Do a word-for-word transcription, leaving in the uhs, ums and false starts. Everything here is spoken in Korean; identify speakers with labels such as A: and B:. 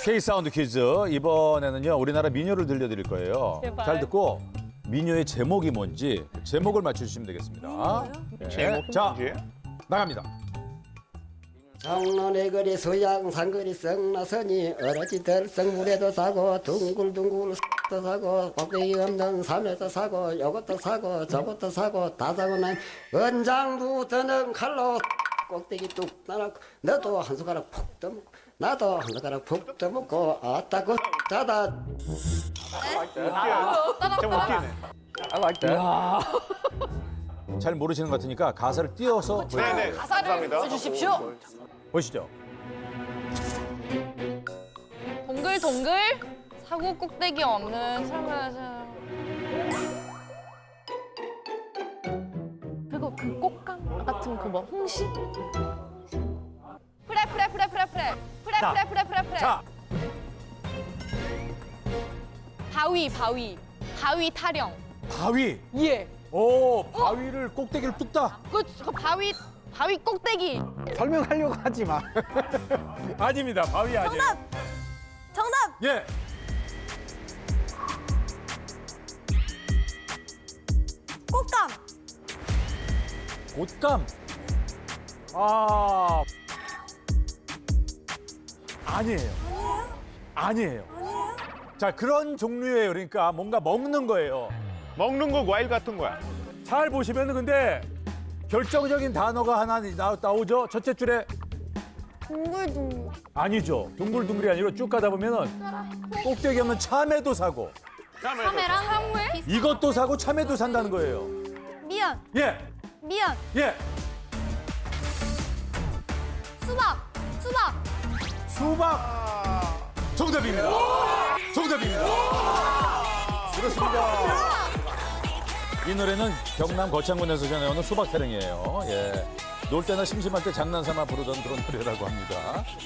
A: K-사운드 퀴즈. 이번에는요, 우리나라 민요를 들려드릴 거예요.
B: 제발.
A: 잘 듣고 민요의 제목이 뭔지 제목을 맞춰주시면 되겠습니다. 네.
C: 제목
A: 자,
C: 문제?
A: 나갑니다.
D: 장로의 거리 수양 산거리 성나서니 어러지 들성 물에도 사고 둥글둥글 도 사고 꼭대기 없는 산에도 사고 요것도 사고 저것도 사고 다 사고 난 은장도 드는 칼로 꼭대기 뚝 날아고 너도 한 숟가락 푹 떠먹고 나도 한 숟가락 푹 떠먹고 아따 그 자다
C: 좀 웃기네.
E: I like that.
A: 잘 모르시는 것 같으니까 가사를 띄워서
C: 네네. 감사합니다.
B: 써주십시오.
A: 보시죠.
B: 동글동글 사고 꼭대기 없는 사람. 그리고 그 꽃감 같은 그 뭐 홍시? 프레 프레 프레 프레 프레 프레
A: 자.
B: 프레 프레 프레 프레
A: 자,
B: 바위 바위 바위 타령.
A: 바위.
B: 예.
A: 오, 바위를 꼭대기를 뚝딱.
B: 그, 그 바위 바위 꼭대기.
E: 설명하려고 하지 마.
A: 아닙니다. 바위 아니에요.
F: 정답! 정답!
A: 예.
F: 꽃감!
A: 옷감. 아. 아니에요. 아니에요. 자, 그런 종류예요. 그러니까 뭔가 먹는 거예요.
C: 먹는 거 과일 같은 거야.
A: 잘 보시면 근데 결정적인 단어가 하나 나, 나오죠. 첫째 줄에
F: 둥글둥글.
A: 아니죠. 둥글둥글이 아니고 쭉 가다 보면은 꼭대기 없는 참외도 사고
F: 카메라? 참외?
A: 이것도 사고 참외도 산다는 거예요.
F: 미연.
A: 예,
F: 미연.
A: 예.
F: 수박. 수박.
A: 수박 정답입니다. 정답입니다. 그렇습니다. 이 노래는 경남 거창군에서 전해오는 수박 타령이에요. 예. 놀 때나 심심할 때 장난삼아 부르던 그런 노래라고 합니다.